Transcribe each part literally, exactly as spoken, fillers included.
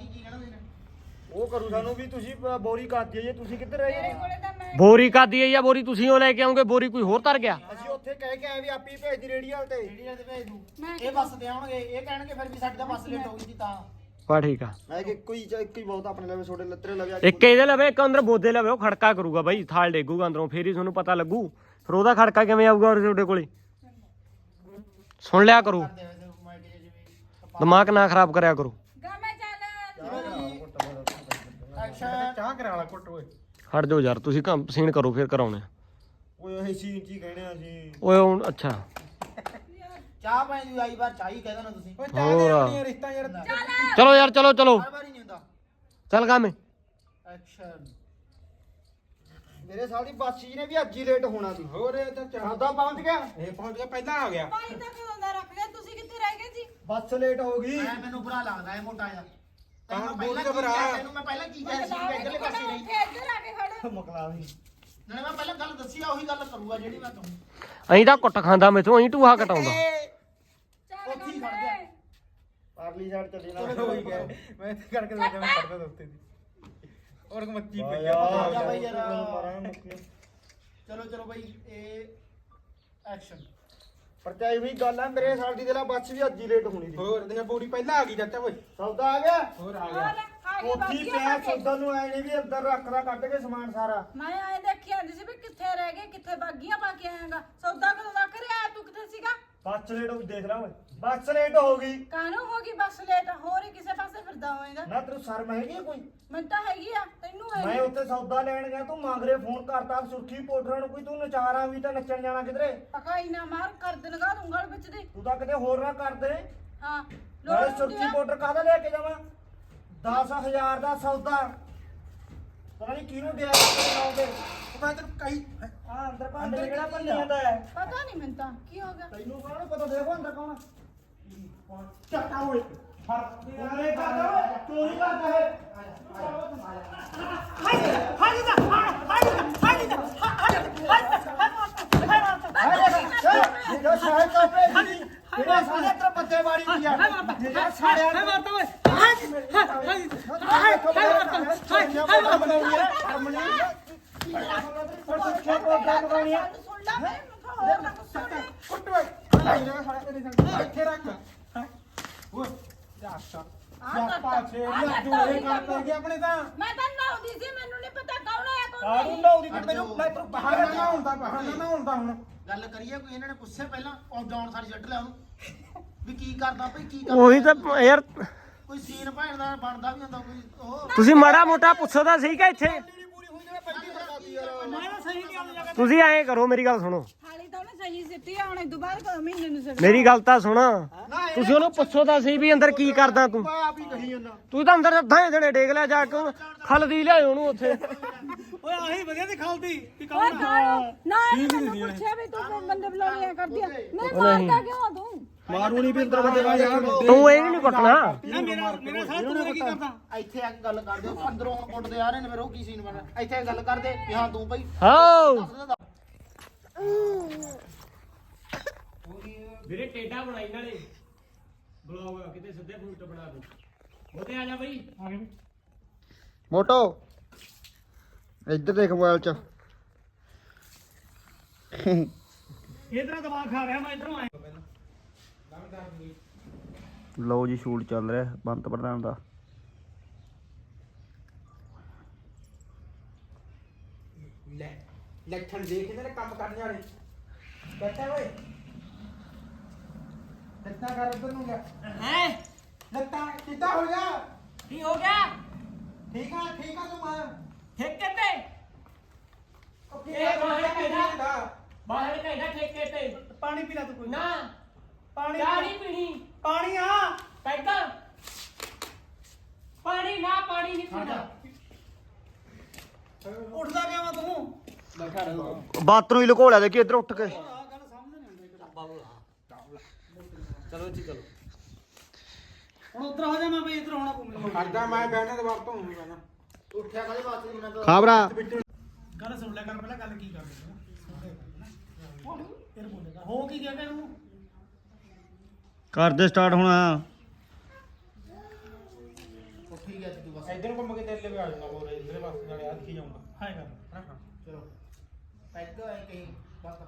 ਕੀ ਕੀ ਕਹਿਣਾ ਤੁਸੀਂ ਉਹ ਕਰੂ ਸਾਨੂੰ ਵੀ ਤੁਸੀਂ ਬੋਰੀ ਕਾਦੀ ਜੇ ਤੁਸੀਂ ਕਿੱਧਰ ਰਹੇ ਮੇਰੇ ਕੋਲੇ ਤਾਂ ਮੈਂ ਬੋਰੀ ਕਾਦੀ ਹੈ ਜਾਂ ਬੋਰੀ ਤੁਸੀਂ ਉਹ ਲੈ ਕੇ ਆਉਂਗੇ ਬੋਰੀ ਕੋਈ ਹੋਰ ਧਰ ਗਿਆ ਅਸੀਂ ਉੱਥੇ ਕਹਿ ਕੇ ਆਏ ਵੀ ਆਪੀ ਭੇਜ ਦੀ ਰੇੜੀ ਵਾਲ ਤੇ ਰੇੜੀ ਤੇ ਭੇਜ ਦੂੰ ਮੈਂ ਇਹ ਬੱਸ ਤੇ ਆਉਣਗੇ ਇਹ ਕਹਿਣਗੇ ਫਿਰ ਵੀ ਸਾਡੀ ਤਾਂ ਬੱਸ ਲੇਟ ਹੋ ਗਈ ਜੀ ਤਾਂ ਬਾ ਠੀਕ ਆ ਮੈਂ ਕਿ ਕੋਈ ਇੱਕ ਹੀ ਬਹੁਤ ਆਪਣੇ ਲਵੇ ਛੋਟੇ ਲੱਤਰੇ ਲਵੇ ਇੱਕ ਇਹਦੇ ਲਵੇ ਇੱਕ ਅੰਦਰ ਬੋਦੇ ਲਵੇ ਉਹ ਖੜਕਾ ਕਰੂਗਾ ਬਾਈ ਥਾਲ ਡੇਗੂਗਾ ਅੰਦਰੋਂ ਫੇਰ ਹੀ ਤੁਹਾਨੂੰ ਪਤਾ ਲੱਗੂ ਫਿਰ ਉਹਦਾ ਖੜਕਾ ਕਿਵੇਂ ਆਊਗਾ ਔਰ ਤੁਹਾਡੇ ਕੋਲੇ ਸੁਣ ਲਿਆ ਕਰੋ ਦਿਮਾਗ ਨਾ ਖਰਾਬ ਕਰਿਆ ਕਰੋ ਗਾ ਮੈਂ ਚੱਲ ਐਕਸ਼ਨ ਚਾਹ ਕਰਾ ਲਾ ਕੁੱਟ ਓਏ ਹਟ ਜਾਓ ਯਾਰ ਤੁਸੀਂ ਕੰਮ ਸੀਨ ਕਰੋ ਫਿਰ ਕਰਾਉਣੇ ਓਏ ਇਹ ਸੀਨ ਕੀ ਕਹਿਣੇ ਅਸੀਂ ਓਏ ਹੁਣ ਅੱਛਾ ਚਾਹ ਪਾਈ ਦੀ ਆਈ ਵਾਰ ਚਾਹੀ ਕਹਿ ਦੇਣਾ ਤੁਸੀਂ ਓਏ ਚਾਹ ਦੇ ਆਪਣੀ ਰਿਸ਼ਤਾ ਯਾਰ ਚਲੋ ਯਾਰ ਚਲੋ ਚਲੋ ਹਰ ਵਾਰੀ ਨਹੀਂ ਹੁੰਦਾ ਚੱਲ ਗਾ ਮੈਂ ਐਕਸ਼ਨ ਮੇਰੇ ਸਾਲ ਦੀ ਬਾਸੀ ਨੇ ਵੀ ਅੱਜ ਹੀ ਲੇਟ ਹੋਣਾ ਸੀ ਹੋਰ ਇਹ ਤਾਂ ਚਾਹਦਾ ਪਹੁੰਚ ਗਿਆ ਇਹ ਪਹੁੰਚ ਗਿਆ ਪਹਿਲਾਂ ਆ ਗਿਆ ਪਾਣੀ ਤਾਂ ਕਦੋਂ ਦਾ ਰੱਖ ਲਿਆ ਤੁਸੀਂ ਕਿੱਥੇ ਰਹਿ ਗਏ ਜੀ ਬੱਸ ਲੇਟ ਹੋ ਗਈ ਐ ਮੈਨੂੰ ਬੁਰਾ ਲੱਗਦਾ ਹੈ ਮੋਟਾ ਜਿਹਾ ਹਾਂ, ਤੈਨੂੰ ਬੋਲ ਪਹਿਲਾਂ ਕੇ ਕੀ ਭਰਾ। ਕਿਹਾ ਤੈਨੂੰ ਮੈਂ ਪਹਿਲਾਂ ਕੀ ਕਿਹਾ ਸੀ ਕਿ ਇੱਧਰਲੇ ਪਾਸੇ ਨਹੀਂ ਇੱਧਰ ਆ ਕੇ ਖੜ ਮਕਲਾ ਵੀ ਨਾਲੇ ਮੈਂ ਪਹਿਲਾਂ ਗੱਲ ਦੱਸੀ ਆ ਉਹੀ ਗੱਲ ਕਰੂਗਾ ਜਿਹੜੀ ਮੈਂ ਕਹੂੰ ਅਹੀਂ ਤਾਂ ਕੁੱਟ ਖਾਂਦਾ ਮੈਥੋਂ ਅਹੀਂ ਟੂਹਾ ਕਟਾਉਂਦਾ ਚੱਲ ਉੱਥੇ ਹੀ ਗਾ ਖੜ ਗਿਆ। ਪਰਲੀ ਸਾਈਡ ਚੱਲੀ ਨਾ ਚਲੋ ਹੋਈ ਗਿਆ। ਮੈਂ ਇੱਥੇ ਕਰਕੇ ਦੇਖਿਆ ਮੈਂ ਖੜਦਾ ਦੋਸਤੇ ਦੀ ਔਰ ਮੱਚੀ ਪਈ ਆ ਜਾ ਬਈ ਯਾਰ। ਯਾਰ ਚਲੋ ਚਲੋ ਬਾਈ ਇਹ ਐਕਸ਼ਨ ਪਰਚਾਈ ਵੀ ਗੱਲ ਹੈ ਮੇਰੇ ਸਾਲ ਦੀ ਦਿਲਾ ਬੱਸ ਵੀ ਅੱਜ ਹੀ ਲੇਟ ਹੋਣੀ ਸੀ ਹੋਰ ਦੇਖਿਆ ਪੂਰੀ ਪਹਿਲਾਂ ਆ ਗਈ ਚਾਚਾ ਓਏ ਸੌਦਾ ਆ ਗਿਆ ਹੋਰ ਆ ਆ ਗਿਆ ਲੈ ਆ ਗਈ ਉੱਥੀ ਬਾਕੀ ਪਿਆ ਸੌਦਾ ਨੂੰ ਆਏ ਨੇ ਵੀ ਅੰਦਰ ਰੱਖਦਾ ਕੱਢ ਕੇ ਸਮਾਨ ਸਾਰਾ ਮੈਂ ਆਏ ਦੇਖੀ ਆਂਦੀ ਸੀ ਵੀ ਕਿੱਥੇ ਰਹਿ ਗਏ ਕਿੱਥੇ ਬਾਗੀਆਂ ਪਾ ਕੇ ਆਏਗਾ ਸੌਦਾ ਕਦੋਂ ਦਾ ਕਰਿਆ ਤੂੰ ਕਿੱਥੇ ਸੀਗਾ ਬੱਸ ਲੇਟ ਹੋ ਦੇਖ ਲਾ ਓਏ ਬੱਸ ਲੇਟ ਹੋ ਗਈ ਕਾਹਨੂੰ ਹੋ ਗਈ ਬੱਸ ਲੇਟ ਹੋਰ ਹੀ ਕਿਸੇ ਪਾਸੇ ਫਿਰਦਾ ਹੋਏਗਾ ਨਾ ਤੈਨੂੰ ਸ਼ਰਮ ਹੈਗੀ ਆ ਕੋਈ ਮੈਨੂੰ ਤਾਂ ਹੈਗੀ ਆ ਤੈਨੂੰ ਮੈਂ ਹੈਗੀ ਉੱਥੇ ਸੌਦਾ ਲੈਣ ਗਿਆ ਤੂੰ ਮੰਗਰੇ ਫੋਨ ਕਰਤਾ ਸੁਰਖੀ ਪਾਊਡਰਾਂ ਨੂੰ ਕੋਈ ਤੂੰ ਨਚਾਰਾਂ ਵੀ ਤਾਂ ਨੱਚਣ ਜਾਣਾ ਕਿਧਰੇ ਪਕਾਈ ਨਾ ਮਾਰ ਕਰ ਲਗਾ ਦੂੰਗਾ ਵਿੱਚ ਦੀ ਤੂੰ ਤਾਂ ਕਿਤੇ ਹੋਰ ਨਾ ਕਰ ਦੇ ਹਾਂ ਨਾਲੇ ਲੋੜ ਹੁੰਦੀ ਸੁਰਖੀ ਆ ਪਾਊਡਰ ਕਾਹਦਾ ਲੈ ਕੇ ਜਾਵਾਂ ਦਸ ਹਜ਼ਾਰ ਦਾ ਸੌਦਾ ਪਤਾ ਨਹੀਂ ਕਿਹਨੂੰ ਦਿਆ ਲਾਉਂਦੇ ਮੈਂ ਤੈਨੂੰ ਕਹੀ ਆ ਅੰਦਰ ਭਾਂਡੇ ਕਿਹੜਾ ਭੰਨੀ ਜਾਂਦਾ ਹੈ ਪਤਾ ਨਹੀਂ ਮੈਨੂੰ ਤਾਂ ਕੀ ਹੋ ਗਿਆ ਤੈਨੂੰ ਕੌਣ ਪਤਾ ਦੇਖੋ ਅੰਦਰ ਕੌਣ ਚੱਟਾ ਓਏ ਉਹਨੇ ਕਰਦਾ ਓਏ ਚੋਰੀ ਕਰਦਾ ਹੈ ਜਿਹੜਾ ਸ਼ਾਇਦ ਤੋਂ ਭੇਜੀ ਜਿਹੜਾ ਸਾਡੇ ਤਰ ਪੱਤੇ ਵਾਲੀ ਦੀ ਆ ਜਿਹੜਾ ਸਾੜਿਆ ਹੈ ਮਾਰਤਾ ਓਏ ਹਾਏ ਹਾਏ ਹਾਏ ਹਾਏ ਬਣਾਉਣੀ ਹੈ ਹਰਮਨੀ ਪਰ ਸੁੱਖੇ ਪ੍ਰੋਗਰਾਮ ਬਣਾਉਣੀ ਹੈ ਸੁਣ ਲੈ ਮੈਂ ਹੋਰ ਨਾ ਕੁਛ ਸੁਣ ਲੈ। ਕੁੱਟ ਓਏ ਜਿਹੜਾ ਸਾਡਾ ਤੇਰੇ ਸੰਗ ਇੱਥੇ ਰੱਖ ਓਏ ਜਾ ਸਾ ਆਹ ਸਿਆਪਾ ਕਰਤਾ, ਛੇੜ ਆਹ ਲਿਆ ਕਰਤਾ ਤੂੰ ਉਹੀ ਇਹ ਕਰ ਕੰਮ। ਗਏ ਆਪਣੇ ਤਾਂ ਮੈਂ ਤਾਂ ਨਾਉਦੀ ਸੀ ਮੈਨੂੰ ਨਹੀਂ ਪਤਾ ਕੌਣ ਆਇਆ ਕੌਣ ਕਾੜੂ ਨਹੀਂ ਲਾਉਦੀ ਤੇ ਮੈਨੂੰ ਮੈਂ ਤੈਨੂੰ ਬਹਾਨਾ ਨਾ ਹੁੰਦਾ ਬਹਾਨਾ ਨਾ ਹੁੰਦਾ ਹੁਣ ਗੱਲ ਕਰੀਏ ਕੋਈ ਇਹਨਾਂ ਨੇ ਪੁੱਛੇ ਪਹਿਲਾਂ ਉਹ ਜਾਣ ਸਾਰੀ ਛੱਡ ਲਿਆ ਉਹਨੂੰ ਵੀ ਕੀ ਕਰਦਾ ਭਈ ਕੀ ਕਰਦਾ ਉਹੀ ਤਾਂ ਯਾਰ ਕੋਈ ਸੀਨ ਭੈਣ ਦਾ ਬਣਦਾ ਵੀ ਹੁੰਦਾ ਕੋਈ ਉਹ ਤੁਸੀਂ ਮਾੜਾ ਮੋਟਾ ਪੁੱਛੋ ਤਾਂ ਸਹੀ ਕਿ ਇੱਥੇ ਤੁਸੀਂ ਐਂ ਕਰੋ ਮੇਰੀ ਗੱਲ ਸੁਣੋ ਥਾਲੀ ਤਾਂ ਉਹਨੇ ਸਹੀ ਸਿੱਟੀ ਆ ਹੁਣ ਇਦੋਂ ਬਾਅਦ ਕਦੋਂ ਮਹੀਨੇ ਨੂੰ ਸਿੱਟ ਮੇਰੀ ਗੱਲ ਤਾਂ ਸੁਣ ਤੁਸੀਂ ਉਹਨੂੰ ਪੁੱਛੋ ਤਾਂ ਸਹੀ ਵੀ ਅੰਦਰ ਕੀ ਕਰਦਾ ਤੂੰ ਆਪ ਹੀ ਕਹੀ ਜਾਂਦਾ ਤੂੰ ਤਾਂ ਅੰਦਰ ਅੱਧਾ ਜਣੇ ਡੇਗ ਲਿਆ ਜਾ ਕੇ ਖਲ ਦੀ ਲਿਆਇਓ ਉਹਨੂੰ ਉੱਥੇ ਓਏ ਆਹੀ ਵਧੀਆ ਦੀ ਖਾਲਦੀ ਵੀ ਓਏ ਕਾਲੋ ਨਾ ਇਹਨੇ ਮੈਨੂੰ ਪੁੱਛਿਆ ਵੀ ਤੂੰ ਬੰਦੇ ਬੁਲਾਉਣੀਆਂ ਕਰਦੀ ਆ ਮੈਂ ਮਾਰਦਾ ਕਿਉਂ ਆ ਤੂੰ ਮਾਰੂ ਨਹੀਂ ਵੀ ਅੰਦਰ ਬੰਦੇ ਵਾਲੇ ਯਾਰ ਤੂੰ ਇਹ ਨਹੀਂ ਕੁੱਟਣਾ ਨਾ ਮੇਰਾ ਮੇਰਾ ਸਾਹ ਤੂੰ ਕੀ ਕਰਦਾ ਇੱਥੇ ਆ ਕੇ ਗੱਲ ਕਰਦੇ ਉਹ ਅੰਦਰੋਂ ਹੁਣ ਕੁੱਟਦੇ ਆ ਰਹੇ ਨੇ ਫਿਰ ਉਹ ਕੀ ਸੀਨ ਬਣਾ ਇੱਥੇ ਗੱਲ ਕਰਦੇ ਵੀ ਹਾਂ ਤੂੰ ਭਈ ਹਾਓ ਵੀਰੇ ਟੇਡਾ ਬਣਾਈ ਨਾਲੇ ਬਲੌਗ ਕਿਤੇ ਸਿੱਧੇ ਫੂਟ ਬਣਾ ਦੂੰ ਉਹਦੇ ਆ ਜਾ ਬਈ ਮੋਟੋ ਇੱਧਰ ਦੇਖ ਮੋਬਾਈਲ ਚ ਇਧਰ ਦਿਮਾਗ ਖਾ ਰਿਹਾ ਮੈਂ ਇਧਰੋਂ ਆਇਆ ਲਓ ਜੀ ਸ਼ੂਟ ਚੱਲ ਰਿਹਾ ਬੰਤ ਪ੍ਰਧਾਨ ਦਾ ਲੈ ਲੱਛਣ ਦੇਖ ਇਹਦੇ ਕੰਮ ਕਰਨ ਵਾਲੇ ਬੈਠਾ ਓਏ ਲੱਤਾਂ ਕਰ ਉਧਰ ਨੂੰ ਗਿਆ ਹੈ ਲੱਤਾਂ ਕਿੱਦਾਂ ਹੋ ਗਿਆ ਕੀ ਹੋ ਗਿਆ ਠੀਕ ਆ ਠੀਕ ਆ ਤੂੰ ਮਾਰ ਠੇਕੇ ਤੇ ਇਹ ਬਾਹਰ ਕਿਹਦਾ ਬਾਹਰ ਕਹਿੰਦਾ ਠੇਕੇ ਤੇ ਪਾਣੀ ਪੀ ਲੈ ਤੂੰ ਕੋਈ ਨਾ ਪਾਣੀ ਚਾਹ ਨਹੀਂ ਪੀਣੀ ਪਾਣੀ ਆ ਕਹਿੰਦਾ ਪਾਣੀ ਨਾ ਪਾਣੀ ਨਹੀਂ ਪੀਣਾ ਉੱਠਦਾ ਕਿਵੇਂ ਤੂੰ ਬਾਥਰੂਮ ਹੀ ਲੁਕੋ ਲਿਆ ਦੇਖੀ ਇੱਧਰ ਉੱਠ ਕੇ ਹੁਣ ਉਧਰ ਹੋ ਜਾ ਮੈਂ ਬਈ ਇਧਰ ਹੋਣਾ ਪਊ ਮੈਨੂੰ ਖੜਦਾ ਮੈਂ ਬਹਿਣਾ ਤੇ ਬਾਹਰ ਤੋਂ ਹੂੰ ਮੈਂ ਉੱਠਿਆ ਕਾਹਦੇ ਵਾਸਤੇ ਉਹਨਾਂ ਤੋਂ ਖਾਬਰਾ ਗੱਲ ਸੁਣ ਲੈ ਕਰ ਪਹਿਲਾਂ ਗੱਲ ਕੀ ਕਰਦੇ ਫਿਰ ਬੋਲੇਗਾ ਹੋ ਕੀ ਗਿਆ ਕਿ ਇਹਨੂੰ ਕਰਦੇ ਸਟਾਰਟ ਹੋਣਾ ਉੱਠੀ ਇੱਧਰ ਨੂੰ ਘੁੰਮ ਕੇ ਤੇਰੇ ਲਈ ਆ ਜਾਊਗਾ ਹੋਰ ਇਧਰਲੇ ਪਾਸੇ ਨਾਲੇ ਆ ਦਿਖੀ ਜਾਊਗਾ ਹਾਂ ਕਰ ਹਾਂ ਹਾਂ ਚਲੋ ਪੈਗ ਐ ਕਹੀਂ ਬਸ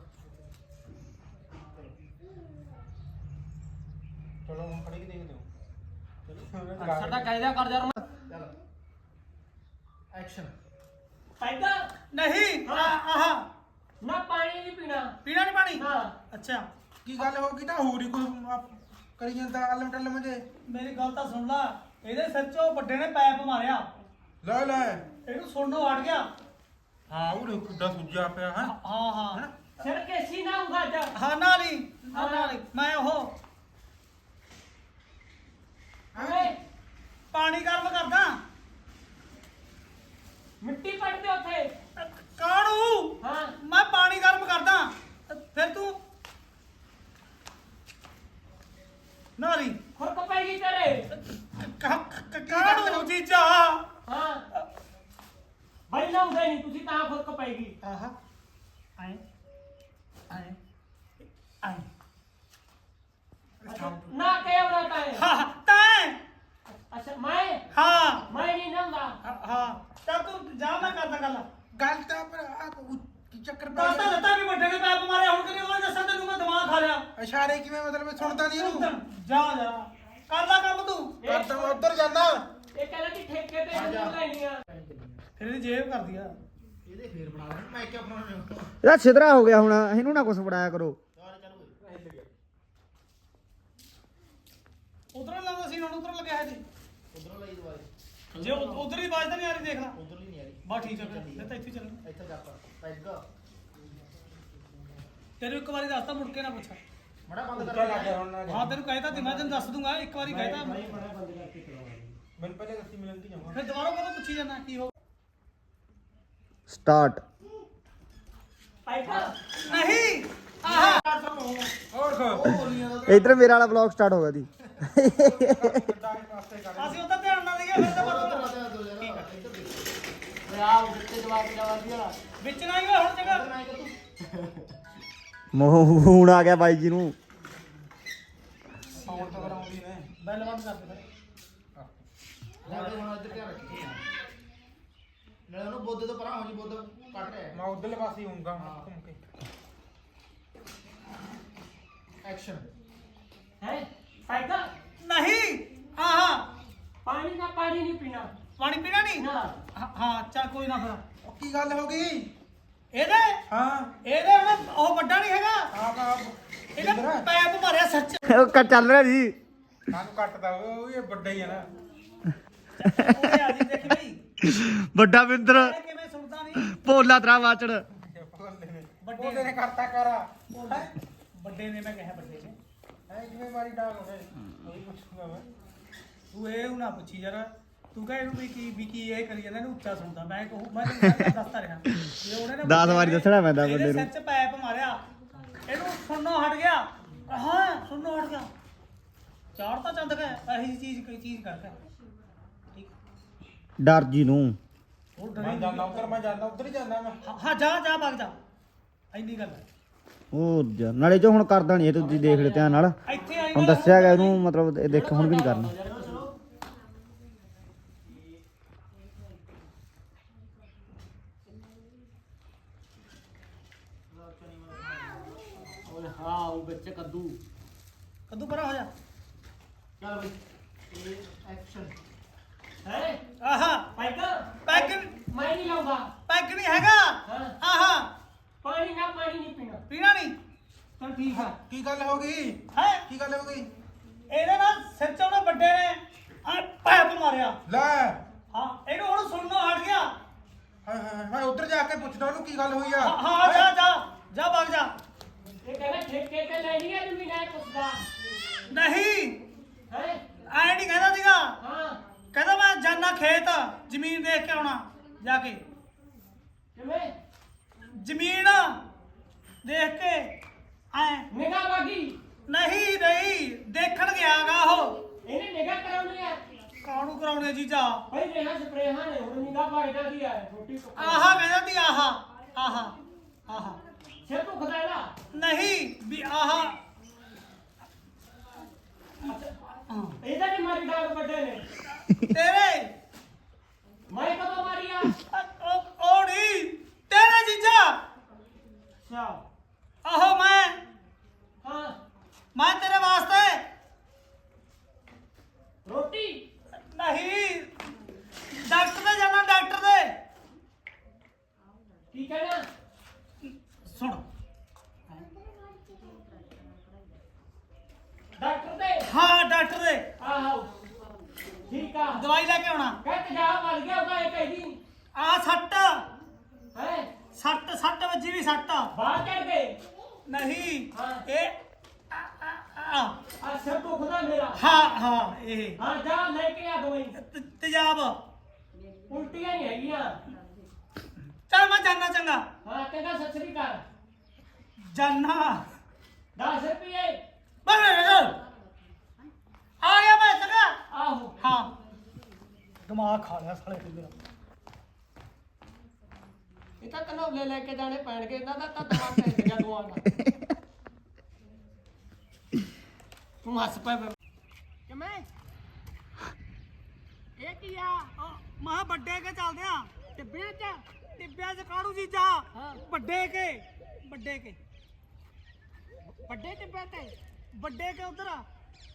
ਚਲੋ ਹੁਣ ਖੜੇ ਕੇ ਦੇਖਦੇ ਹੋ ਸਾਡਾ ਕਾਇਦਾ ਕਰ ਜਾ ਚਲ ਐਕਸ਼ਨ ਪੈਦਾ ਨਹੀਂ ਆਹਾ ਨਾ ਪਾਣੀ ਨਹੀਂ ਪੀਣਾ ਪੀਣਾ ਨਹੀਂ ਪਾਣੀ ਹਾਂ ਅੱਛਾ ਕੀ ਗੱਲ ਹੋ ਗਈ ਤਾਂ ਹੋਰ ਹੀ ਕੋਈ ਕਰੀ ਜਾਂਦਾ ਅਲਮ ਟਲਮ ਜੇ ਮੇਰੀ ਗੱਲ ਤਾਂ ਸੁਣ ਲੈ ਇਹਦੇ ਸਿਰ 'ਚ ਉਹ ਵੱਡੇ ਨੇ ਪੈਪ ਮਾਰਿਆ ਲੈ ਲੈ ਇਹਨੂੰ ਸੁਣਨੋਂ ਹਟ ਗਿਆ ਹਾਂ ਉਹ ਕਿੱਡਾ ਸੁੱਜਿਆ ਪਿਆ ਹੈ ਹਾਂ ਹਾਂ ਸਿਰ ਕੇਸੀ ਨਾ ਉਗਾ ਜਾ ਹਾਂ ਨਾਲੀ ਹਾਂ ਨਾਲੀ ਮੈਂ ਉਹ ਓਏ ਪਾਣੀ ਗਰਮ ਕਰਦਾ ਮਿੱਟੀ ਪੜਦੇ ਉੱਥੇ ਕਾਣੂ ਹਾਂ ਮੈਂ ਪਾਣੀ ਗਰਮ ਕਰਦਾ ਫਿਰ ਤੂੰ ਨਾਲੀ ਖੁਰਕ ਪੈਗੀ ਤੇਰੇ ਕਾਣੂ ਜੀਜਾ ਹਾਂ ਬਈ ਲਾਉਂਦੇ ਨਹੀਂ ਤੁਸੀਂ ਤਾਂ ਖੁਰਕ ਪੈਗੀ ਆਹਾ ਆਏ ਆਏ ਆਏ ਨਾ ਕਹਿਵਰਾ ਤਾਏ ਹਾਂ ਤੈਂ ਅੱਛਾ ਮੈਂ ਹਾਂ ਮੈਂ ਨਹੀਂ ਨੰਗਾ ਹਾਂ ਚੱਲ ਤੂੰ ਜਾ ਮੈਂ ਕਰਦਾ ਗੱਲ ਗੱਲ ਤਾਂ ਪਰ ਆ ਕੀ ਚੱਕਰ ਤਾਂ ਪੈ ਤਾਂ ਲੱਤਾਂ ਵੀ ਵੱਡੇ ਨੇ ਪੈਪ ਮਾਰਿਆ ਹੁਣ ਕਿਵੇਂ ਉਹ ਦੱਸਾਂ ਤੈਨੂੰ ਮੈਂ ਦਿਮਾਗ ਖਾ ਲਿਆ ਇਸ਼ਾਰੇ ਕਿਵੇਂ ਮਤਲਬ ਸੁਣਦਾ ਨਹੀਂ ਇਹਨੂੰ ਜਾ ਜਾ ਕਰ ਲੈ ਕੰਮ ਤੂੰ ਕਰਦਾ ਮੈਂ ਉੱਧਰ ਜਾਂਦਾ ਇਹ ਕਹਿੰਦਾ ਕਿ ਠੇਕੇ ਤੇ ਜ਼ਮੀਨ ਲੈਣੀ ਆ ਫਿਰ ਇਹਦੀ ਜੇਬ ਕਰਦੀ ਆ ਇਹਦੇ ਫੇਰ ਬਣਾ ਲੈਣ ਮੈਂ ਕਿਆ ਬਣਾਉਣਾ ਇਹਦਾ ਛਿਦਰਾ ਹੋ ਗਿਆ ਹੁਣ ਇਹਨੂੰ ਨਾ ਕੁਛ ਫੜਾਇਆ ਕਰੋ ਸਾਰੇ ਚੱਲ ਓਏ ਉਧਰੋਂ ਲਾਉਂਦਾ ਸੀ ਹੁਣ ਉਧਰੋਂ ਲੱਗਿਆ ਹੈ ਜੀ ਉਧਰੋਂ ਲਈ ਦਵਾਈ ਜੇ ਉਧਰ ਹੀ ਆਵਾਜ਼ ਤਾਂ ਨਹੀਂ ਆ ਰਹੀ ਦੇਖ ਲੈ ਉਧਰ ਨਹੀਂ ਆ ਰਹੀ ਬਾ ਠੀਕ ਹੈ ਫਿਰ ਤਾਂ ਇੱਥੇ ਚੱਲਣਾ ਇੱਥੇ ਜਾ ਪਾ ਪੈਗ ਤੈਨੂੰ ਇੱਕ ਵਾਰੀ ਦੱਸਤਾ ਮੁੜ ਕੇ ਨਾ ਪੁੱਛ ਮੜਾ ਬੰਦ ਉੱਚਾ ਕਰ ਲੱਗ ਗਿਆ ਹੁਣ ਨਾ ਹਾਂ ਤੈਨੂੰ ਕਹਿਤਾ ਤੇ ਮੈਂ ਤੈਨੂੰ ਦੱਸ ਦੂੰਗਾ ਇੱਕ ਵਾਰੀ ਕਹਿਤਾ ਮੈਨੂੰ ਪਹਿਲੇ ਦੱਸੀ ਮਿਲਣ ਦੀ ਜਾਵਾਂ ਫਿਰ ਦੁਬਾਰਾ ਕਦੋਂ ਪੁੱਛੀ ਜਾਂਦਾ ਕੀ ਹੋ ਸਟਾਰਟ ਪੈਗਾ ਨਹੀਂ ਆਹਾ ਹੋਰ ਖੋ ਇਧਰ ਮੇਰਾ ਵਾਲਾ ਵਲੌਗ ਸਟਾਰਟ ਹੋ ਗਿਆ ਦੀ ਗੱਡਾ ਦੇ ਪਾਸੇ ਕਰ ਅਸੀਂ ਉਹਦਾ ਧਿਆਨ ਨਾ ਦਈਏ ਫਿਰ ਤਾਂ ਪਤਾ ਓਏ ਆ ਉੱਤੇ ਜਵਾਬ ਜਵਾਬ ਦਿਆ ਵਿੱਚ ਨਾ ਹੀ ਹੋਏ ਹੁਣ ਜਗ੍ਹਾ ਨਾ ਕਿ ਤੂੰ ਮੂੰਹ ਹੁਣ ਆ ਗਿਆ ਬਾਈ ਜੀ ਨੂੰ ਸਾਊਂਡ ਤਾਂ ਕਰਾਉਂਦੀ ਨੇ ਬੈਲ ਬੰਦ ਕਰ ਦੇ ਸਾਡੇ ਹੁਣ ਇੱਧਰ ਧਿਆਨ ਰੱਖੀ ਨਾਲੇ ਉਹਨੂੰ ਬੁੱਧ ਤੋਂ ਪਰਾਂ ਹੋ ਜੀ ਬੁੱਧ ਕੱਟ ਰਿਹਾ ਮੈਂ ਉਧਰਲੇ ਪਾਸੇ ਹੋਊਂਗਾ ਘੁੰਮ ਕੇ ਐਕਸ਼ਨ ਹੈ ਪੈਗਾ ਨਹੀਂ ਆਹਾ ਪਾਣੀ ਨਾ ਪਾਣੀ ਨਹੀਂ ਪੀਣਾ ਪਾਣੀ ਪੀਣਾ ਨਹੀਂ ਨਾ ਹਾਂ- ਹਾਂ ਚੱਲ ਕੋਈ ਨਾ ਫਿਰ ਉਹ ਕੀ ਗੱਲ ਹੋ ਗਈ ਇਹਦੇ ਹਾਂ ਇਹਦੇ ਹੁਣ ਉਹ ਵੱਡਾ ਨਹੀਂ ਹੈਗਾ ਆਪ ਆਪ ਇਹਦਾ ਪੈਪ ਮਾਰਿਆ ਸੱਚ ਉਹ ਕ- ਚੱਲ ਰਿਹਾ ਜੀ ਸਾਨੂੰ ਕੱਟਦਾ ਉਹ ਇਹ ਵੱਡਾ ਹੀ ਆ ਨਾ ਉਹਨੇ ਆ ਜੀ ਦੇਖ ਬਈ ਵੱਡਾ ਬਿੰਦਰ ਇਹ ਕਿਵੇਂ ਸੁਣਦਾ ਨਹੀਂ ਭੋਲਾ ਤਰਾ ਵਾਚੜ ਵੱਡੇ ਉਹਦੇ ਨੇ ਕਰਤਾ ਕਰਾ ਹੈਂ? ਵੱਡੇ ਨੇ ਮੈਂ ਕਿਹਾ ਵੱਡੇ ਨੇ ਐ ਕਿਵੇਂ ਮਾਰੀ ਡਾਲ ਹੋਵੇ ਉਹੀ ਪੁੱਛੂਗਾ ਮੈਂ ਤੂੰ ਇਹ ਨਾ ਪੁੱਛੀ ਯਾਰ ਤੂੰ ਕਹੇ ਇਹਨੂੰ ਵੀ ਕੀ ਵੀ ਕੀ ਇਹ ਕਰੀ ਜਾਂਦਾ ਇਹਨੂੰ ਉੱਚਾ ਸੁਣਦਾ ਮੈਂ ਕਹੂੰ ਮੈਂ ਤੈਨੂੰ ਸਾਰਾ ਦੱਸਦਾ ਰਿਹਾ ਜੇ ਉਹਨੇ ਨਾ ਦਸ ਵਾਰੀ ਦੱਸਣਾ ਪੈਂਦਾ ਇਹਦੇ ਬੰਦੇ ਨੂੰ। ਸਿਰ 'ਚ ਪੈਪ ਮਾਰਿਆ ਇਹਨੂੰ ਸੁਣਨੋਂ ਹਟ ਗਿਆ ਹਾਂ ਸੁਣਨੋਂ ਹਟ ਗਿਆ ਚਾਰ ਤਾਂ ਚੰਦ ਗਿਆ ਇਹੀ ਚੀਜ਼ ਕੋਈ ਚੀਜ਼ ਕਰਕੇ ਠੀਕ ਡਰ ਜੀ ਨੂੰ ਉਹ ਮੈਂ ਡਰੇ ਜਾਂਦਾ ਉੱਧਰ ਮੈਂ ਜਾਂਦਾ ਉੱਧਰ ਹੀ ਜਾਂਦਾ ਮੈਂ ਹਾਂ- ਹਾਂ ਜਾ ਜਾ ਭੱਗ ਜਾ ਇੰਨੀ ਗੱਲ ਹੈ ਉਹ ਜ- ਨਾਲੇ ਜੋ ਹੁਣ ਕਰਦਾ ਨਹੀਂ ਇਹ ਤੁਸੀਂ ਦੇਖ ਲਿਓ ਧਿਆਨ ਨਾਲ ਇੱਥੇ ਆਈ ਹੁਣ ਦੱਸਿਆ ਗਿਆ ਇਹਨੂੰ ਮਤਲਬ ਇਹ ਦੇਖ ਹੁਣ ਵੀ ਨਹੀਂ ਕਰਨਾ ਓਏ ਹਾਂ ਉਹ ਵਿੱਚ ਕੱਦੂ ਕੱਦੂ ਪਰਾਂ ਹੋ ਜਾ ਚੱਲ ਬਈ ਇਹ ਐਕਸ਼ਨ ਹੈ ਆਹਾ ਪੈਗਾ ਪੈਗ ਮੈਂ ਨਹੀਂ ਲਾਉਂਦਾ ਪੈਗ ਨਹੀਂ ਹੈਗਾ ਹਾਂ ਆਹਾ ਪਾਣੀ ਨਾ ਪਾਣੀ ਨਹੀਂ ਪੀਣਾ ਪੀਣਾ ਨਹੀਂ ਚਲ ਠੀਕ ਆ ਕੀ ਗੱਲ ਹੋ ਗਈ ਹੈ ਕੀ ਗੱਲ ਹੋ ਗਈ ਇਹਦੇ ਨਾਲ ਸਿਰ 'ਚ ਉਹਨੇ ਵੱਡੇ ਨੇ ਆ ਪੈਪ ਮਾਰਿਆ ਲੈ ਹਾਂ ਇਹਨੂੰ ਹੁਣ ਸੁਣਨੋਂ ਹਟ ਗਿਆ ਹਾਏ ਹਾਏ ਮੈਂ ਉੱਧਰ ਜਾ ਕੇ ਪੁੱਛਦਾ ਉਹਨੂੰ ਕੀ ਗੱਲ ਹੋਈ ਆ ਹਾਂ ਹਾਂ, ਜਾ ਜਾ ਜਾ ਭੱਗ ਜਾ ਇਹ ਕਹਿੰਦਾ ਠੇਕੇ ਤੇ ਲੈਣੀ ਆ ਜ਼ਮੀਨ ਹੈ ਪੁੱਛਦਾ ਨਹੀਂ ਹੈ ਐ ਨਹੀਂ ਕਹਿੰਦਾ ਸੀਗਾ ਹਾਂ ਕਹਿੰਦਾ ਮੈਂ ਜਾਨਾ ਖੇਤ ਜ਼ਮੀਨ ਦੇਖ ਕੇ ਆਉਣਾ ਜਾ ਕੇ ਕਿਵੇਂ ਜ਼ਮੀਨ ਦੇਖ ਕੇ ਐ ਨਿਗਾਹ ਬਾਗੀ ਨਹੀਂ ਨਹੀਂ ਦੇਖਣ ਗਿਆਗਾ ਉਹ ਇਹਨੇ ਨਿਗਾਹ ਕਰਾਉਣੀ ਆ ਕਾਹਨੂੰ ਕਰਾਉਣੇ ਜੀਜਾ ਭਾਈ ਰੇਹਾਂ ਸਪਰੇਹਾਂ ਨੇ ਹੁਣ ਨਿਗਾਹ ਬਾਗਦਾ ਦੀ ਆ ਰੋਟੀ ਪੱਕਾ ਆਹਾ ਕਹਿੰਦਾ ਤੀ ਆਹਾ ਆਹਾ ਆਹਾ ਸਿਰ ਦੁਖਦਾ ਇਹਦਾ ਨਹੀਂ ਵੀ ਆਹਾ ਇਹਦਾ ਨਹੀਂ ਮਾਰੀ ਡਾਂਗ ਵੱਡੇ ਨੇ ਤੇਰੇ ਮੈਂ ਕਦੋਂ ਮਾਰੀ ਆ ਉਹ ਉਹ ਨਹੀਂ ਤੇਰੇ ਜੀਜਾ ਅੱਛਾ ਆਹੋ ਮੈਂ ਹਾਂ ਮੈਂ ਤੇਰੇ ਵਾਸਤੇ ਰੋਟੀ ਨਹੀਂ ਡਾਕਟਰ ਦੇ ਜਾਣਾ ਡਾਕਟਰ ਦੇ ਕੀ ਕਹਿਣਾ ਸੁਣ ਡਾਕਟਰ ਦੇ ਹਾਂ ਡਾਕਟਰ ਦੇ ਆਹੋ ਠੀਕ ਆ ਦਵਾਈ ਲੈ ਕੇ ਆਉਣਾ ਕਹਿ ਤੇਜ਼ਾਬ ਮਰ ਗਿਆ ਉਹਦਾ ਇਹ ਕਹਿਦੀ ਆ ਸੱਟ ਹੈ ਸੱਟ ਸੱਟ ਵੱਜੀ ਵੀ ਸੱਟ ਬਾਹਰ ਚੜ ਗਏ ਨਹੀਂ ਹਾਂ। ਇਹ ਆ, ਆ, ਆ। ਆ ਸਿਰ ਦੁਖਦਾ ਮੇਰਾ ਹਾਂ ਹਾਂ ਇਹ ਹਾਂ ਜਾ ਲੈ ਕੇ ਆ ਦਵਾਈ ਤ- ਤੇਜ਼ਾਬ ਉਲਟੀਆਂ ਨਹੀਂ ਹੈਗੀਆਂ ਚੱਲ ਮੈਂ ਜਾਨਾ ਚੰਗਾ ਹਾਂ ਕਹਿੰਦਾ ਸੱਚੀ ਕਰ ਜਾਨਾ ਦਸ ਰੁਪਏ ਬਸ ਆ ਗਿਆ ਮੈਂ ਚੰਗਾ ਆਹੋ ਹਾਂ ਦਿਮਾਗ ਖਾ ਲਿਆ ਸਾਲੇ ਤੇ ਮੇਰਾ ਇਹ ਤਾਂ ਕਨੌਲੇ ਲੈ ਕੇ ਜਾਣੇ ਪੈਣਗੇ ਇਹਨਾਂ ਦਾ ਤਾਂ ਦਿਮਾਗ ਪੈ ਗਿਆ ਦੋਆਂ ਦਾ ਤੂੰ ਹੱਸ ਪੈ ਕਿਵੇਂ ਇਹ ਕੀ ਆ ਮਾ ਵੱਡੇ ਕੇ ਚੱਲਦੇ ਆ ਟਿੱਬਿਆਂ ਚ ਟਿੱਬਿਆਂ ਚ ਕਾੜੂ ਜੀਜਾ ਹਾਂ। ਵੱਡੇ ਕੇ ਵੱਡੇ ਕੇ ਵੱਡੇ ਟਿੱਬਿਆਂ ਤੇ ਵੱਡੇ ਕੇ ਉਧਰ ਆ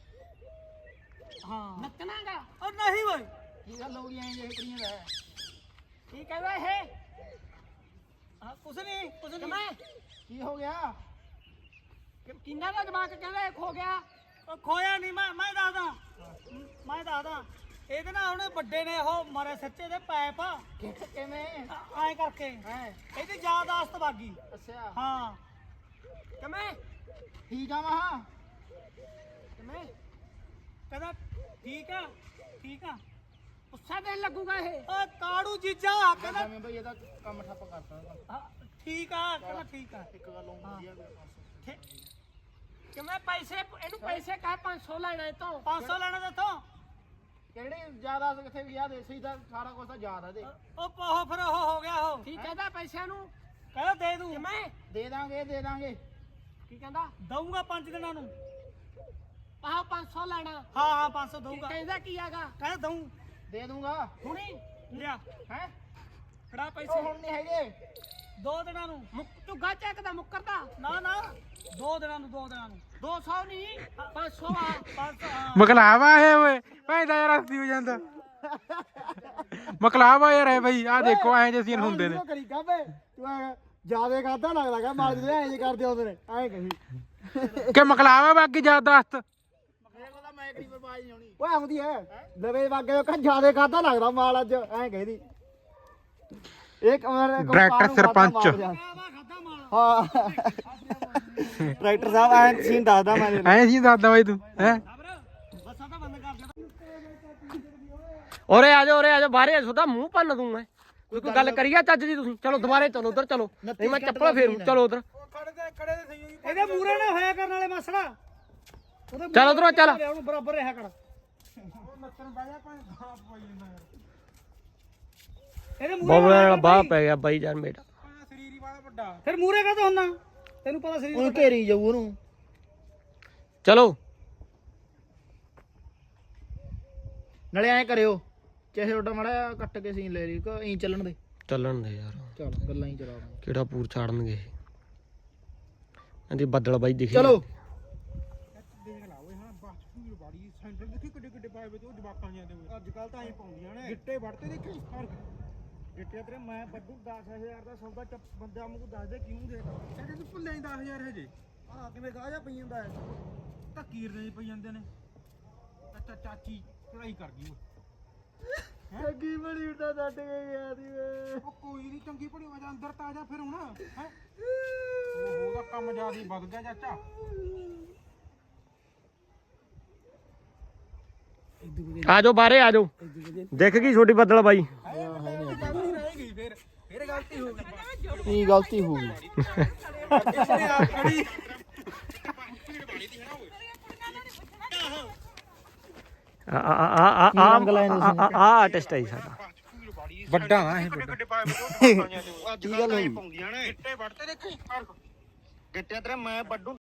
ਹਾਂ ਨੱਚਣਾਗਾ ਉਹ ਨਹੀਂ ਓਏ ਕੀ ਗੱਲ ਹੋ ਗਈ ਐਂ ਜੇ ਕੁੜੀਆਂ ਦਾ ਕੀ ਕਹਿੰਦਾ ਇਹ ਹਾਂ ਕੁਛ ਨਹੀਂ ਕੁਛ ਨਹੀਂ ਕਿਵੇਂ ਕੀ ਹੋ ਗਿਆ ਕਿ- ਕਿੰਨਾ ਦਾ ਦਿਮਾਗ ਕਹਿੰਦਾ ਇਹ ਖੋ ਗਿਆ ਉਹ ਖੋਇਆ ਨਹੀਂ ਮੈਂ ਮੈਂ ਦੱਸਦਾ ਮੈਂ ਦੱਸਦਾ ਇਹਦੇ ਨਾਲ ਉਹਨੇ ਵੱਡੇ ਨੇ ਉਹ ਮਾਰੇ ਸੱਚੇ ਦੇ ਪੈਪ ਕਿਵੇਂ ਐ ਕਰਕੇ ਹੈ ਇਹਦੀ ਯਾਦਾਸ਼ਤ ਵਾਗੀ ਅੱਛਾ ਹਾਂ ਕਿਵੇਂ ਠੀਕ ਆ ਮਹਾ ਕਿਵੇਂ ਕਹਿੰਦਾ ਠੀਕ ਆ ਠੀਕ ਆ ਗੁੱਸਾ ਦੇਣ ਲੱਗੂਗਾ ਇਹ ਓ ਕਾੜੂ ਜੀਜਾ ਕਹਿੰਦਾ ਕਹਿੰਦਾ ਬਈ ਇਹਦਾ ਕੰਮ ਠੱਪ ਕਰਤਾ ਹਾਂ, ਠੀਕ ਆ ਕਹਿੰਦਾ ਠੀਕ ਆ ਇੱਕ ਗੱਲ ਹੁੰਦੀ ਆ ਠੀਕ- ਕਿਵੇਂ ਪੈਸੇ ਇਹਨੂੰ ਪੈਸੇ ਕਹੇ ਪੰਜ ਸੌ ਲੈਣਾ ਇਹ ਤੋਂ ਪੰਜ ਸੌ ਲੈਣਾ ਦਿੱਤੋਂ ਕਿਹੜੀ ਜ਼ਿਆਦਾ ਕਿੱਥੇ ਵੀ ਯਾਦ ਸੀ ਤਾਂ ਸਾਰਾ ਕੁਝ ਤਾਂ ਯਾਦ ਆ ਦੇ ਉਹ ਪਾਹੋ ਫਿਰ ਉਹ ਹੋ ਗਿਆ ਉਹ ਕੀ ਕਹਿੰਦਾ ਪੈਸਿਆਂ ਨੂੰ ਕਹਿੰਦਾ ਦੇ ਦੂੰ ਕਿਵੇਂ ਦੇ ਦਾਂਗੇ ਦੇ ਦਾਂਗੇ ਕੀ ਕਹਿੰਦਾ ਦਊਂਗਾ ਪੰਜ ਦਿਨਾਂ ਨੂੰ ਆਹ ਪੰਜ ਸੌ ਲੈਣਾ ਹਾਂ ਹਾਂ ਪੰਜ ਸੌ ਕੀ ਦਊਂਗਾ ਕਹਿੰਦਾ ਕੀ ਆਗਾ ਕਹਿੰਦਾ ਦਊਂ ਦੇ ਦੂੰਗਾ ਹੁਣੀ ਲਿਆ ਹੈ ਫੜਾ ਉਹ ਪੈਸੇ ਹੁਣ ਨਹੀਂ ਹੈਗੇ ਦੋ ਦਿਨਾਂ ਨੂੰ ਮੁੱਕ ਝੁੱਗਾ ਚੱਕਦਾ ਮੁੱਕਰਦਾ ਨਾ ਨਾ ਦੋ ਦਿਨਾਂ ਨੂੰ ਦੋ ਦਿਨਾਂ ਨੂੰ ਦੋ ਸੌ ਨਹੀਂ ਪੰਜ ਸੌ ਆ ਪੰਜ ਸੌ ਹਾਂ। ਮਕਲਾਵਾ ਹੈ ਓਏ ਭੈਂਦਾ ਯਾਰ ਹੱਸੀ ਹੋ ਜਾਂਦਾ ਮਕਲਾਵਾ ਯਾਰ ਹੈ ਬਈ ਆ ਦੇਖੋ ਐਂ ਜੇ ਸੀਨ ਹੁੰਦੇ ਨੇ ਕਰੀ ਕਾਬੇ ਤੂੰ ਜਿਆਦੇ ਕਰਦਾ ਲੱਗਦਾਗਾ ਮਾਲ ਜਿਹੜੇ ਐਂ ਜੇ ਕਰਦੇ ਹੁੰਦੇ ਨੇ ਐਂ ਕਹੀ ਕਿ ਮਕਲਾਵਾ ਬਾਕੀ ਯਾਦਾਸ਼ਤ ਮੈਂ ਕਰੀ ਬਰਬਾਦ ਨਹੀਂ ਹੋਣੀ ਓਏ ਆਉਂਦੀ ਹੈ ਲਵੇ ਵਾਗੇ ਕਹ ਜਿਆਦੇ ਕਰਦਾ ਲੱਗਦਾ ਮਾਲ ਅੱਜ ਐਂ ਕਹਦੀ ਇੱਕ ਡਾਇਰੈਕਟਰ ਸਰਪੰਚ ਖਾਦਾ ਖਾਦਾ ਮਾਲ ਹਾਂ ਟਰੈਕਟਰ ਸਾਹਿਬ ਐਂ ਸੀਨ ਦੱਸਦਾ ਮੈਂ ਐਂ ਸੀ ਦੱਸਦਾ ਬਾਈ ਤੂੰ ਹੈ ਬੱਸਾਂ ਤਾਂ ਬੰਦ ਕਰ ਦੇ ਓਰੇ ਆ ਜਾ ਓਰੇ ਆ ਜਾ ਬਾਹਰੇ ਸੁਦਾ ਮੂੰਹ ਭੰਨ ਦੂੰ ਮੈਂ ਕੋਈ ਕੋਈ ਗੱਲ ਕਰੀਆ ਚੱਜ ਦੀ ਤੁਸੀਂ ਚਲੋ ਦੁਬਾਰੇ ਚਲੋ ਉਧਰ ਚਲੋ ਨਹੀਂ ਮੈਂ ਚੱਪਲ ਫੇਰੂ ਚਲੋ ਉਧਰ ਇਹਦੇ ਮੂਰੇ ਨਾ ਹੋਇਆ ਕਰਨ ਵਾਲੇ ਮਸਲਾ ਉਹਦੇ ਚੱਲ ਉਧਰੋਂ ਚੱਲ ਉਹਨੂੰ ਬਰਾਬਰ ਰਿਹਾ ਕਰ ਇਹਦੇ ਮੂਰੇ ਬੋਬਲੇ ਵਾਲਾ ਬਾਹ ਪੈ ਗਿਆ ਬਾਈ ਜਾਨ ਮੇਰਾ ਸਰੀਰ ਹੀ ਵਾਲਾ ਵੱਡਾ ਫਿਰ ਮੂਰੇ ਕਾ ਹੁੰਨਾ ਤੈਨੂੰ ਪਤਾ ਸਰੀਰ ਉਹਨੂੰ ਘੇਰੀ ਜਾਊ ਉਹਨੂੰ ਚਲੋ ਨਾਲੇ ਐਂ ਕਰਿਓ ਚਾਹੇ ਤੁਹਾਡਾ ਮਾੜਾ ਕੱਟ ਕੇ ਸੀਨ ਲੈ ਲਈ ਕੋ ਐਂ ਚੱਲਣ ਦੇ ਚੱਲਣ ਦੇ ਯਾਰ ਚਲ ਗੱਲਾਂ ਹੀ ਚਲਾ ਕਿਹੜਾ ਪੂਰ ਚਾੜਨਗੇ ਇਹ ਇਹਦੀ ਬੱਦਲ ਬਾਈ ਦਿਖੀ ਚਲੋ ਦੇਖ ਲਾ ਓਏ ਹਾਂ ਬਸ ਪੂਰੀ ਬਾੜੀ ਸੈਂਟਰ ਦੇਖੀ ਕਿੱਡੇ ਕਿੱਡੇ ਪਾਏ ਵੇ ਤੇ ਉਹ ਜਵਾਕਾਂ ਜਾਂਦੇ ਓਏ ਅੱਜ ਕੱਲ ਤਾਂ ਐਂ ਪਾਉਂਦੀਆਂ ਨੇ ਗਿੱਟੇ ਵੜਤੇ ਦੇਖੀ ਫਰਕ ਗਿੱਟੇ ਤੇਰੇ ਮੈਂ ਵੱਡੂ ਦਸ ਹਜ਼ਾਰ ਦਾ ਸੌਦਾ ਚੱਪ ਬੰਦਿਆਂ ਨੂੰ ਦੱਸ ਦੇ ਕਿਉਂ ਦੇ ਕਹਿੰਦੇ ਤੂੰ ਭੁੱਲੇ ਦਸ ਹਜ਼ਾਰ ਹਜੇ ਆਹ ਕਿਵੇਂ ਗਾਜਾ ਪਈ ਜਾਂਦਾ ਹੈ ਧੱਕੀਰ ਦੇ ਪਈ ਜਾਂਦੇ ਨੇ ਅੱਛਾ ਚਾਚੀ ਪੜਾਈ ਕਰ ਗਈ ਓਏ ਅੱਗੀ ਬੜੀ ਉਟਾ ਛੱਡ ਕੇ ਗਿਆ ਸੀ ਉਹ ਕੋਈ ਨਹੀਂ ਚੰਗੀ ਪੜੀ ਵਜਾ ਅੰਦਰ ਤਾਂ ਆ ਜਾ ਫਿਰ ਹੁਣ ਹੈ ਉਹ ਉਹਦਾ ਕੰਮ ਜਿਆਦਾ ਵੱਧ ਗਿਆ ਚਾਚਾ ਆ ਜਾਓ ਬਾਹਰੇ ਆ ਜਾਓ ਦਿਖ ਗਈ ਛੋਟੀ ਬੱਦਲ ਬਾਈ ਰਹੇਗੀ ਫਿਰ ਫਿਰ ਗਲਤੀ ਹੋ ਗਈ ਕੀ ਗਲਤੀ ਹੋ ਗਈ ਇਸਨੇ ਆਪ ਖੜੀ ਆ ਆ ਆ ਆ ਆ ਆ ਆਰਟਿਸਟ ਹੈ ਜੀ ਸਾਡਾ ਵੱਡਾ ਨਾ ਇਹ ਕੀ ਗੱਲ ਹੋਈ ਪਾਉਂਦੀਆਂ ਨੇ ਗਿੱਟੇ ਵੜਤੇ ਦੇਖੀ ਗਿੱਟੇ ਤੇਰੇ ਮੈਂ ਵੱਡੂ